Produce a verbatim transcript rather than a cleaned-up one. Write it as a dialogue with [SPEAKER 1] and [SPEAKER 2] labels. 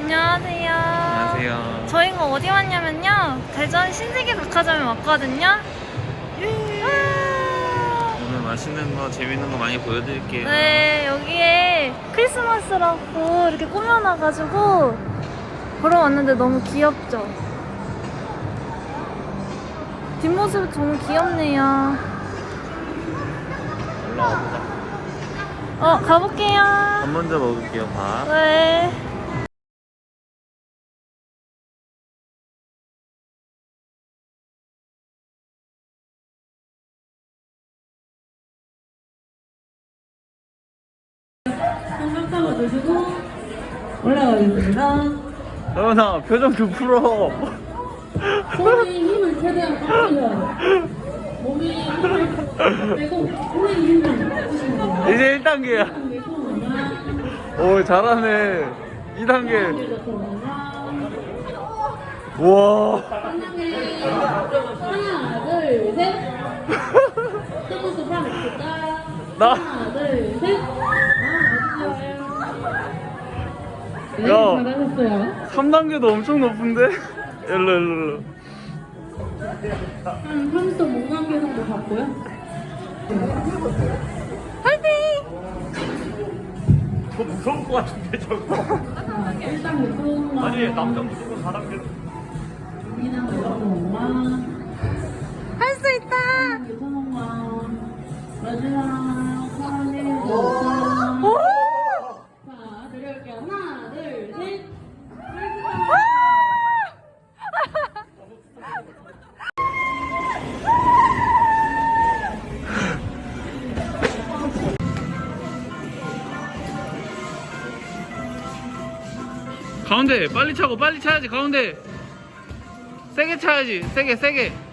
[SPEAKER 1] 안녕하세요.
[SPEAKER 2] 안녕하세요.
[SPEAKER 1] 저희가 어디 왔냐면요, 대전 신세계 백화점에 왔거든요.
[SPEAKER 2] 오늘 맛있는 거, 재밌는 거 많이 보여드릴게요.
[SPEAKER 1] 네, 여기에 크리스마스라고 이렇게 꾸며놔가지고 보러 왔는데 너무 귀엽죠? 뒷모습이 너무 귀엽네요.
[SPEAKER 2] 올라와 보자.
[SPEAKER 1] 어, 가볼게요.
[SPEAKER 2] 밥 먼저 먹을게요, 밥.
[SPEAKER 1] 네.
[SPEAKER 3] 삼각탕을 드시고 올라가겠습니다.
[SPEAKER 2] 서연아, 표정 좀 풀어.
[SPEAKER 3] 손에 힘을 최대한 깎으셔요. 몸에 힘을 빼고 손에 힘을 주시면 돼요.
[SPEAKER 2] 이제 일 단계야.
[SPEAKER 3] 내고 하나,
[SPEAKER 2] 오, 잘하네. 이 단계.
[SPEAKER 3] 하나,
[SPEAKER 2] 우와.
[SPEAKER 3] 하나, 둘, 셋. 조금씩 펴볼까?
[SPEAKER 2] 나.
[SPEAKER 3] 하나, 둘, 셋. 아, 아주 좋아요. 네,
[SPEAKER 2] 야.
[SPEAKER 3] 잘하셨어요.
[SPEAKER 2] 삼 단계도 엄청 높은데? 일로, 일로, 일로.
[SPEAKER 3] 한 삼 도 몸관계 정도 받고요.
[SPEAKER 1] 화이팅!
[SPEAKER 2] 저 무서울 것 같은데, 저거.
[SPEAKER 3] 자, 일 단계 소음만.
[SPEAKER 2] 아니, 남자 무조건 사 단계.
[SPEAKER 3] 이 단계 소음만.
[SPEAKER 1] 할 수 있다!
[SPEAKER 3] 마지막 사랑해 주세요.
[SPEAKER 1] 오!
[SPEAKER 3] 자, 드릴게요. 하나, 둘, 셋.
[SPEAKER 2] 가운데, 빨리 차고, 빨리 차야지, 가운데. 세게 차야지, 세게, 세게.